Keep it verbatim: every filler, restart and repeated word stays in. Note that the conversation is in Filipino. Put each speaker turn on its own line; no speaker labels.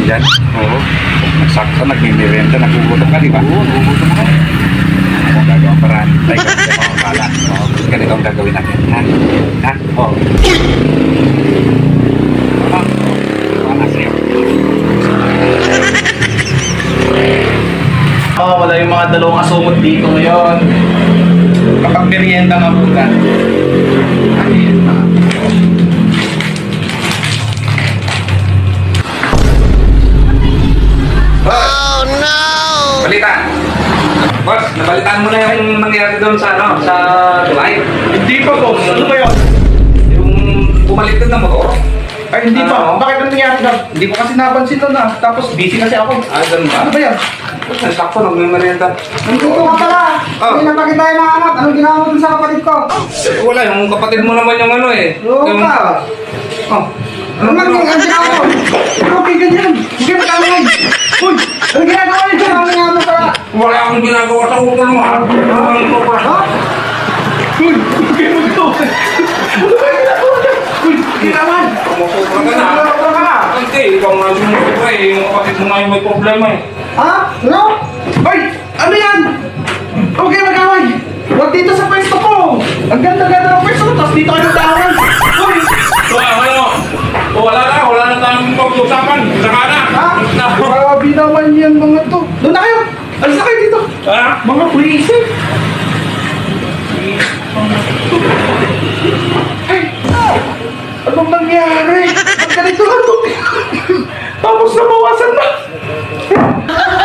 dyan?
Oo.
Sakto, nagmimerienda, nagugutom ka, di ba?
Oo, nagugutom ako.
Ako ang gagawang paraan. Tayo ka, hindi ako akala. Oo, ganito ang gagawin natin. Ha? Ha? Oo. Ano? Ito ang nasa iyo.
Oh, wala yung mga dalawang asumot dito ngayon. Kapag merienda nga muna. Merienda.
Oh, no! Balita! Boss, nabalitaan mo na yung nangyari doon sa, ano, sa tulay?
Hindi pa, boss. Ano ba yun?
Yung bumaliktad ng motor?
Ay, hindi pa.
Ano?
Bakit ano nangyari na? Hindi ko kasi napansin doon na. Tapos busy kasi ako.
Ah, ganun ba?
Ano ba yan?
Sakto, nagmimerienda.
Nandito ka pala.
Oh.
Hindi na pa kita hinahanap. Anong ginawa mo dun sa kapatid ko?
Eh, wala, yung kapatid mo naman yung ano eh.
Oo
Yung-
ka.
Oh.
Ano man yung ang ginawa mo? Okay, ganyan. Hindi ka matangay. Uy! Anong ginagawa niyo dyan? Ano nga mo pala?
Wala akong ginagawa sa ulo mo ha. Ano mo pa?
Ha?
Uy! Hindi mo ito! Ano ba yung ginagawa niya? Uy! Hindi naman!
Kumusubra ka na.
Ano ka?
Hindi, ikaw nga sumusubra eh. Yung kapatid mo nga yung may problema eh.
Ha? Ano?
Uy! Ano yan? Okay, mag-away! Huwag dito sa pwesto ko! Ang ganda-ganda ng pwesto ko, tapos dito kayo mag-away! Uy!
So, ano? O, wala na, wala na tayong pag-usapan. Saka na.
Ha?
Na.
Grabe naman yan mga to! Doon na kayo! Alis na kayo dito!
Ha?
Mga pulisin! Ay! Anong nangyari? Ang ganito lang to! Tapos nabawasan na!